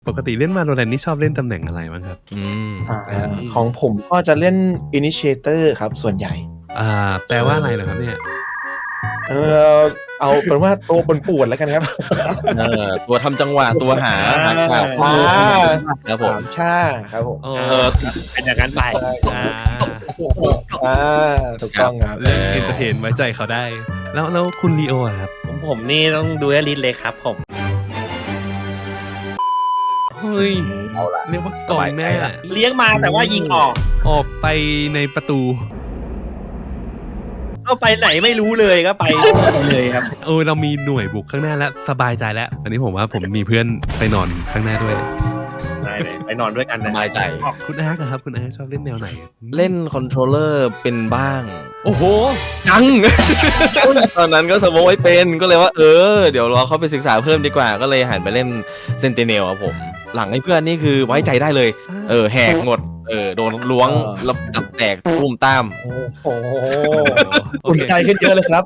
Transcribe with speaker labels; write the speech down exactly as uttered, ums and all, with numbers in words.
Speaker 1: ปกติเล่น Valorant นี่ชอบเล่นตำแหน่งอะไรบ้างครับ
Speaker 2: อืม
Speaker 3: อ่าของผมก็จะเล่น Initiator ครับส่วนใหญ่
Speaker 1: อ่าแปลว่าอะไรเหรอครับเนี่ย
Speaker 3: เออเอาเป็นว่าตัวปนปวดแล้วกันครับ
Speaker 2: เออตัวทำจังหวะตัวหาหาข่าวข้อมูลครับผม
Speaker 3: สามชาครับผม
Speaker 1: อ๋อ
Speaker 2: เออ
Speaker 4: เป็นอย่างนั้นไป
Speaker 1: อ่า
Speaker 3: อ่าถูกต้องครับ
Speaker 1: เล่นเอนเตอร์เทนไว้ใจเขาได้ แล้วแล้วคุณลีโออะครับ
Speaker 4: ผมผมนี่ต้องดูแลลิสเลยครับผม
Speaker 1: เฮ้ยเรียกว่ากองแน่
Speaker 4: เลี้ยงมาแต่ว่ายิงออก
Speaker 1: ออกไปในประตู
Speaker 4: ก็ไปไหนไม่รู้เลยก็ไปเลยครับ
Speaker 1: เออเรามีหน่วยบุกข้างหน้าแล้วสบายใจแล้วอันนี้ผมว่าผมมีเพื่อนไปนอนข้างหน้าด้วย
Speaker 4: ได้เลยไปนอนด้วยกัน
Speaker 2: ส
Speaker 4: นะ
Speaker 2: บายใจ
Speaker 1: คุณอาร์คอะครับคุณอาร์คชอบเล่นแนวไหน
Speaker 2: เล่นคอนโทรลเลอร์เป็นบ้าง
Speaker 1: โอ้โห
Speaker 2: ยัง ตอนนั้นก็สมมติไว้เป็นก็เลยว่าเออเดี๋ยวเราเข้าไปศึกษาเพิ่มดีกว่าก็เลยหันไปเล่นเซนติเนลครับผม หลังให้เพื่อนนี่คือไว้ใจได้เลย เออแหกหมดเออโดนล้วงระดับแตกตุ้มตาม
Speaker 3: โอ้โห
Speaker 1: โอ
Speaker 3: อุ่น
Speaker 1: เค
Speaker 3: ใจขึ้นเยอะเลยครับ